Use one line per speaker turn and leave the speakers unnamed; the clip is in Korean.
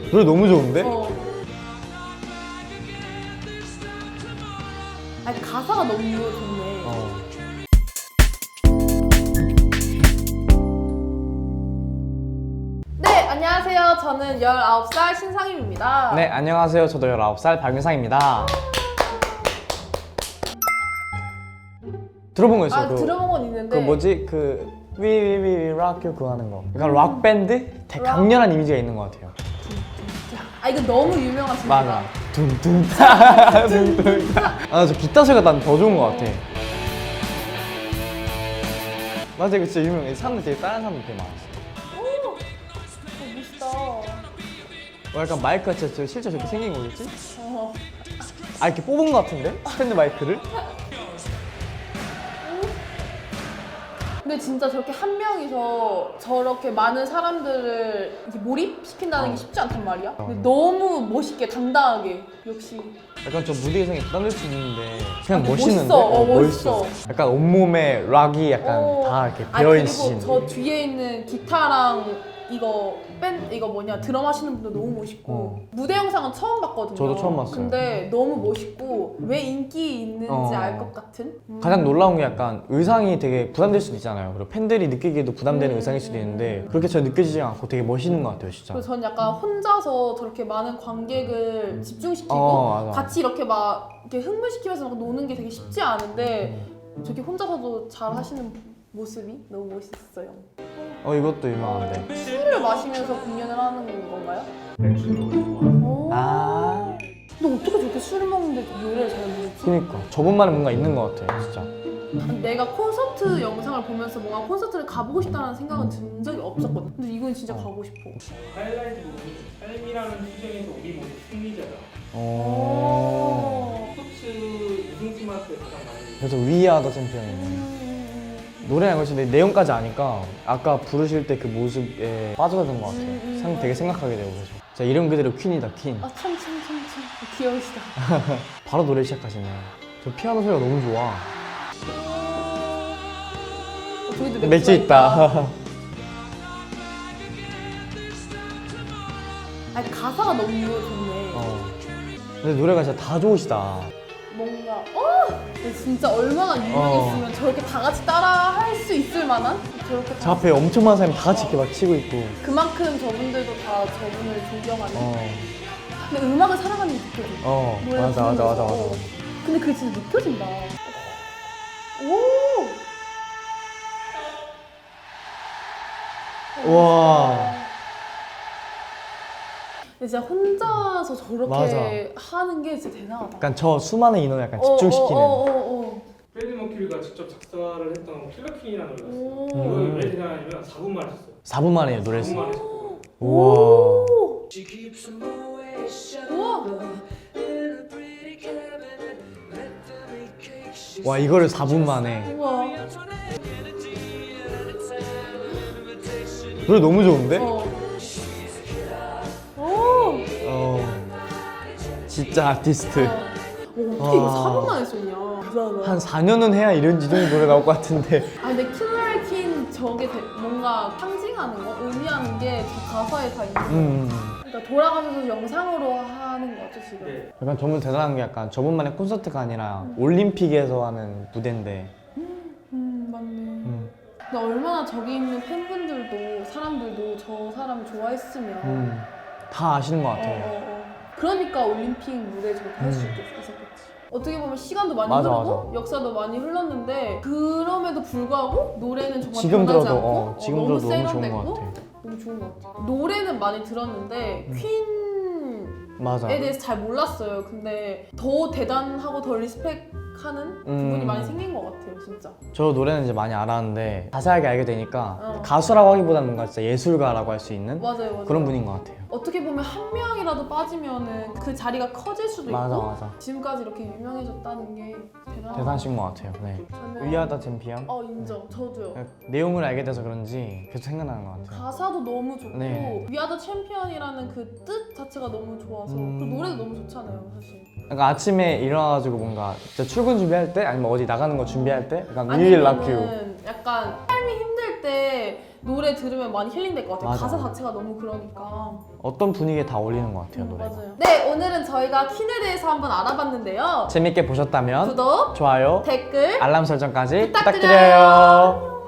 노래 너무 좋은데?
아니 가사가 너무 좋네. 네, 안녕하세요. 저는 19살 신상임입니다.
네, 안녕하세요. 저도 19살 박윤상입니다. 들어본 거 있어요?
아, 들어본 건 있는데.
그 뭐지? We rock you 그거 하는 거. 약간 락 밴드? 되게 강렬한 이미지가 있는 것 같아요.
아, 이거 너무 유명하신
맞아. 둥둥 둥둥. 아, 저 기타 소리가 난 더 좋은 것 같아. 맞아, 이거 진짜 유명해. 사람들 되게 다른 사람들 되게 많았어.
멋있다.
약간 마이크가 진짜 실제 저렇게 생긴 거겠지?
어.
아, 이렇게 뽑은 것 같은데? 스탠드 마이크를?
근데 진짜 저렇게 한 명이서 저렇게 많은 사람들을 이렇게 몰입시킨다는 게 쉽지 않단 말이야. 근데 너무 멋있게 당당하게 역시.
약간 저 무대 의상이 부담될 수 있는데 그냥
근데
멋있는데?
멋있어.
약간 온몸에 락이 약간 다 이렇게 배어있으신.
그리고 저 뒤에 있는 기타랑 이거 뭐냐 드럼 하시는 분도 너무 멋있고 무대 영상은 처음 봤거든요.
저도 처음 봤어요.
근데 너무 멋있고 왜 인기 있는지 알 것 같은?
가장 놀라운 게 약간 의상이 되게 부담될 수도 있잖아요. 그리고 팬들이 느끼기에도 부담되는 의상일 수도 있는데 그렇게 전 느껴지지 않고 되게 멋있는 것 같아요, 진짜.
그래서 전 약간 혼자서 저렇게 많은 관객을 집중시키고
맞아.
같이 이렇게 막 이렇게 흥분시키면서 막 노는 게 되게 쉽지 않은데 저렇게 혼자서도 잘 하시는 모습이 너무 멋있었어요.
이것도 유명한데.
술을 마시면서 공연을 하는 건가요?
맥주를 좋아해서
아,
근데 어떻게 저렇게 술을 먹는데 노래를 잘 부르지?
그니까 저분만의 뭔가 있는 것 같아요, 진짜.
내가 콘서트 영상을 보면서 뭔가 콘서트를 가보고 싶다는 생각은 든 적이 없었거든. 근데 이건 진짜 가고 싶어.
하이라이트 부분이 삶이라는 투쟁에서 우리 모두 승리자다. 스포츠 우승팀한테 가장 많이
그래서 위아더 챔피언이네. 노래랑 것이 내용까지 아니까 아까 부르실 때 그 모습에 빠져드는 것 같아요. 되게 생각하게 되고 그래서 진짜 이름 그대로 퀸이다, 퀸.
아 참 귀여우시다.
바로 노래 시작하시네요. 저 피아노 소리가 너무 좋아.
저기도
맥주 있다.
아니 가사가 너무 좋네.
근데 노래가 진짜 다 좋으시다.
뭔가 근데 진짜 얼마나 유명했으면 저렇게 다 같이 따라 할 수 있을 만한 저렇게
저 앞에 엄청 많은 사람이 다 같이 이렇게 막 치고 있고.
그만큼 저분들도 다 저분을 존경하는. 근데 음악을 사랑하는 게 느껴져. 노래를
맞아.
부르면서. 근데 그게 진짜 느껴진다.
와.
근데 진짜 혼자서 저렇게
맞아.
하는 게 진짜 대단하다.
약간 저 수많은 인원을 약간 집중시키는.
프레디 머큐리가 직접 작사를 했던 킬러퀸이라는 노래가 있어요.
오.
이걸 왜 대단하냐면 4분 만에 했어요.
4분 만에 노래를
4분
했어요.
만에 했어요.
우와.
우와.
와, 이거를 4분 만에.
우와.
노래 너무 좋은데? 진짜 아티스트.
어떻게 이거 4분 만에 썼냐.
한 4년은 해야 이 정도 노래 나올 것 같은데.
근데 킬러퀸 저게 뭔가 상징하는 거, 의미하는 게 저 가사에 다 있는 거. 그러니까 돌아가면서 영상으로 하는 거죠 지금.
네.
약간 저분 대단한 게 약간 저분만의 콘서트가 아니라 올림픽에서 하는 무대인데.
맞네. 근데 얼마나 저기 있는 팬분들도 사람들도 저 사람 좋아했으면
다 아시는 것 같아요.
그러니까 올림픽 무대 저렇게 할 수 있었겠지. 어떻게 보면 시간도 많이
맞아,
흐르고
맞아.
역사도 많이 흘렀는데 그럼에도 불구하고 노래는 정말
지금
변하지
들어도,
않고
지금
너무
들어도 너무 좋은
세련됐고
것 같아.
너무 좋은 것 같아. 노래는 많이 들었는데 퀸에
맞아.
대해서 잘 몰랐어요. 근데 더 대단하고 더 리스펙하는 부분이 많이 생긴 것 같아요, 진짜.
저 노래는 이제 많이 알았는데 자세하게 알게 되니까 가수라고 하기보다는 뭔가 진짜 예술가라고 할 수 있는
맞아요.
그런 분인 것 같아요.
어떻게 보면 한 명이라도 빠지면은 그 자리가 커질 수도 있고
맞아.
지금까지 이렇게 유명해졌다는 게 대단하다.
대단하신 것 같아요. 네. 위아더 챔피언.
인정. 저도요.
내용을 알게 돼서 그런지 계속 생각나는 것 같아요.
가사도 너무 좋고
네.
위아더 챔피언이라는 그 뜻 자체가 너무 좋아서 그 노래도 너무 좋잖아요, 사실.
약간 아침에 일어나가지고 뭔가 진짜 출근 준비할 때 아니면 어디 나가는 거 준비할 때 약간 We will rock you.
아니면은 약간 삶이 힘들 때 노래 들으면 많이 힐링될 것 같아요.
맞아.
가사 자체가 너무 그러니까.
어떤 분위기에 다 어울리는 것 같아요, 노래가.
맞아요. 네, 오늘은 저희가 퀸에 대해서 한번 알아봤는데요.
재밌게 보셨다면
구독,
좋아요,
댓글
알람 설정까지
부탁드려요.
부탁드려요.